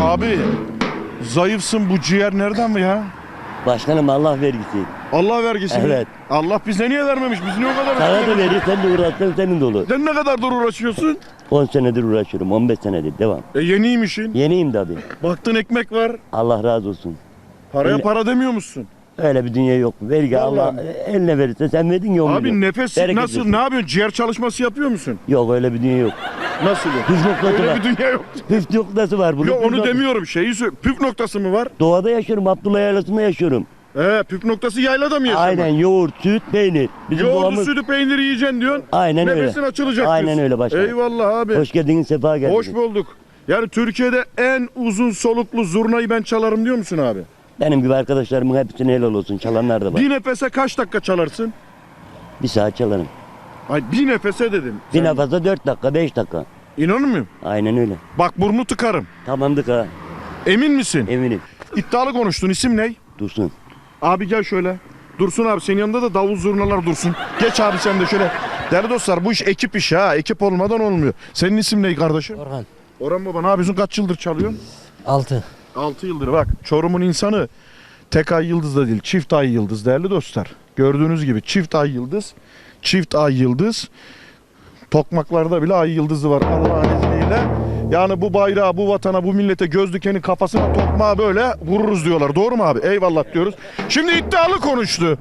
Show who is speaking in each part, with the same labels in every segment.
Speaker 1: Abi zayıfsın, bu ciğer nereden mi ya?
Speaker 2: Başkanım Allah vergisi.
Speaker 1: Allah vergisi mi?
Speaker 2: Evet.
Speaker 1: Allah bize niye vermemiş? Biz niye o kadar
Speaker 2: Sana da
Speaker 1: uğraşıyoruz?
Speaker 2: verir, sen de uğraşsan senin de olur.
Speaker 1: Sen ne kadardır uğraşıyorsun?
Speaker 2: 10 senedir uğraşıyorum, 15 senedir devam.
Speaker 1: Yeniymişin.
Speaker 2: Yeniyim tabii.
Speaker 1: Baktın ekmek var.
Speaker 2: Allah razı olsun.
Speaker 1: Paraya
Speaker 2: Öyle.
Speaker 1: para demiyor musun?
Speaker 2: Öyle bir dünya yok. Vergi
Speaker 1: Vallahi
Speaker 2: Allah
Speaker 1: mi?
Speaker 2: eline verirse sen verdin ya.
Speaker 1: Abi nefes
Speaker 2: Bereket
Speaker 1: nasıl?
Speaker 2: versin.
Speaker 1: Ne yapıyorsun? Ciğer çalışması yapıyor musun?
Speaker 2: Yok öyle bir dünya yok.
Speaker 1: Nasıl yok?
Speaker 2: Püf noktası
Speaker 1: Öyle
Speaker 2: var.
Speaker 1: bir dünya yok.
Speaker 2: Püf noktası var bunun.
Speaker 1: Yok
Speaker 2: Püf
Speaker 1: onu
Speaker 2: noktası.
Speaker 1: demiyorum. Şeyi söyle. Püf noktası mı var?
Speaker 2: Doğada yaşıyorum, Abdullah Yaylası'nda yaşıyorum.
Speaker 1: Püf noktası yaylada mı yaşamak?
Speaker 2: Aynen yoğurt, süt, peynir. Bizim
Speaker 1: Yoğurdu,
Speaker 2: doğamız.
Speaker 1: sütü, peyniri yiyeceksin diyorsun.
Speaker 2: Aynen öyle.
Speaker 1: Nefesin açılacak
Speaker 2: Aynen
Speaker 1: diyorsun.
Speaker 2: öyle başkanım.
Speaker 1: Eyvallah abi.
Speaker 2: Hoş geldiniz, sefa geldiniz.
Speaker 1: Hoş bulduk. Yani Türkiye'de en uzun soluklu zurnayı ben çalarım diyor musun abi?
Speaker 2: Benim gibi arkadaşlarımın hepsine helal olsun. Çalanlar da var.
Speaker 1: Bir nefese kaç dakika çalarsın?
Speaker 2: Bir saat çalarım.
Speaker 1: Ay bir nefese dedim.
Speaker 2: Bir nefeste 4 dakika, 5 dakika.
Speaker 1: İnanır mıyım?
Speaker 2: Aynen öyle.
Speaker 1: Bak burnu tıkarım.
Speaker 2: Tamamdık ha.
Speaker 1: Emin misin?
Speaker 2: Eminim.
Speaker 1: İddialı konuştun. İsim ne?
Speaker 2: Dursun.
Speaker 1: Abi gel şöyle. Dursun abi, senin yanında da davul zurnalar dursun. Geç abi sen de şöyle. Değerli dostlar, bu iş ekip işi ha. Ekip olmadan olmuyor. Senin isim ne kardeşim?
Speaker 3: Orhan.
Speaker 1: Orhan baba, ne yapıyorsun? Kaç yıldır çalıyorsun?
Speaker 3: 6.
Speaker 1: 6 yıldır. Bak Çorum'un insanı tek ay yıldız da değil, çift ay yıldız değerli dostlar. Gördüğünüz gibi çift ay yıldız. Çift ay yıldız. Tokmaklarda bile ay yıldızı var Allah'ın izniyle. Yani bu bayrağı, bu vatana, bu millete göz dikeni kafasına tokmağı böyle vururuz diyorlar. Doğru mu abi? Eyvallah diyoruz. Şimdi iddialı konuştu.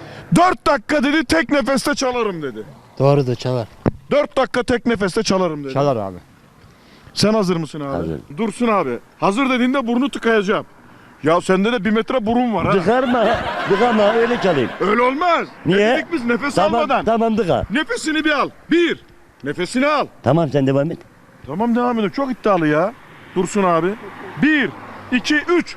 Speaker 1: 4 dakika dedi, tek nefeste çalarım dedi.
Speaker 3: Doğrudur, çalar.
Speaker 1: 4 dakika tek nefeste çalarım dedi.
Speaker 3: Çalar abi.
Speaker 1: Sen hazır mısın abi?
Speaker 2: Hazır.
Speaker 1: Dursun abi. Hazır dediğinde burnu tıkayacağım. Ya sende de 1 metre burun var ha.
Speaker 2: Tıkarma. Tıkama öyle çalayım.
Speaker 1: Öyle olmaz.
Speaker 2: Niye?
Speaker 1: Ne dedik biz nefes
Speaker 2: Tamam,
Speaker 1: almadan?
Speaker 2: tamam tıka.
Speaker 1: Nefesini bir al. 1. Nefesini al.
Speaker 2: Tamam sen devam et.
Speaker 1: Tamam devam edelim. Çok iddialı ya. Dursun abi. 1, 2, 3.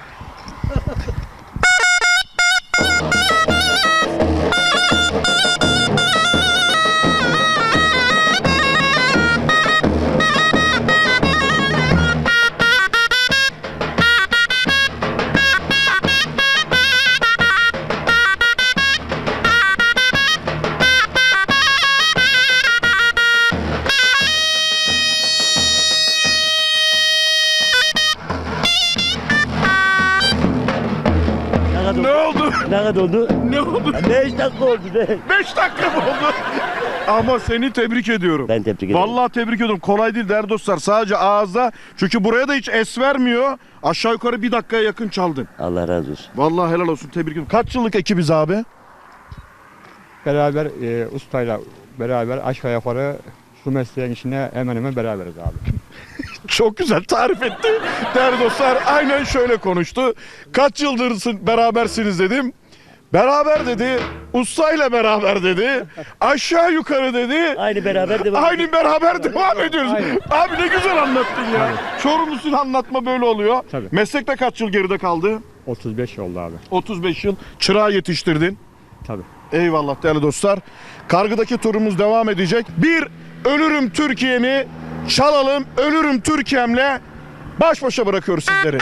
Speaker 1: Ne oldu?
Speaker 2: Ne kadar oldu?
Speaker 1: Ne oldu?
Speaker 2: 5 dakika oldu.
Speaker 1: 5 dakika mı oldu? Ama seni tebrik ediyorum.
Speaker 2: Ben tebrik ederim.
Speaker 1: Vallahi tebrik ediyorum. Kolay değil değerli dostlar. Sadece ağızda. Çünkü buraya da hiç es vermiyor. Aşağı yukarı 1 dakikaya yakın çaldın.
Speaker 2: Allah razı olsun.
Speaker 1: Vallahi helal olsun. Tebrik ediyorum. Kaç yıllık ekibiz abi?
Speaker 4: Beraber ustayla beraber aşağı yukarı şu mesleğin içine hemen hemen beraberiz abi.
Speaker 1: Çok güzel tarif etti. Değerli dostlar aynen şöyle konuştu. Kaç yıldır berabersiniz dedim. Beraber dedi. Ustayla beraber dedi. Aşağı yukarı dedi.
Speaker 2: Aynı beraber devam.
Speaker 1: Aynı beraber devam ediyoruz.
Speaker 4: Aynen.
Speaker 1: Abi ne güzel anlattın ya. Çorumlusun, anlatma böyle oluyor.
Speaker 4: Tabii.
Speaker 1: Meslekte kaç yıl geride kaldı?
Speaker 4: 35 oldu abi.
Speaker 1: 35 yıl. Çırağı yetiştirdin.
Speaker 4: Tabii.
Speaker 1: Eyvallah değerli dostlar. Kargıdaki turumuz devam edecek. Bir Ölürüm Türkiye'mi çalalım. Ölürüm Türkiye'mle baş başa bırakıyoruz sizleri.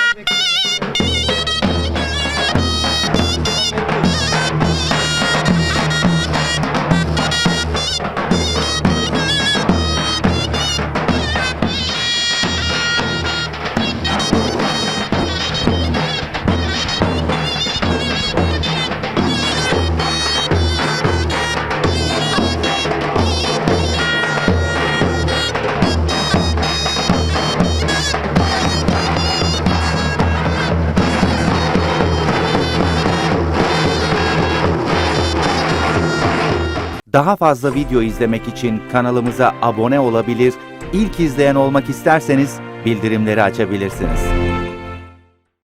Speaker 5: Daha fazla video izlemek için kanalımıza abone olabilir, ilk izleyen olmak isterseniz bildirimleri açabilirsiniz.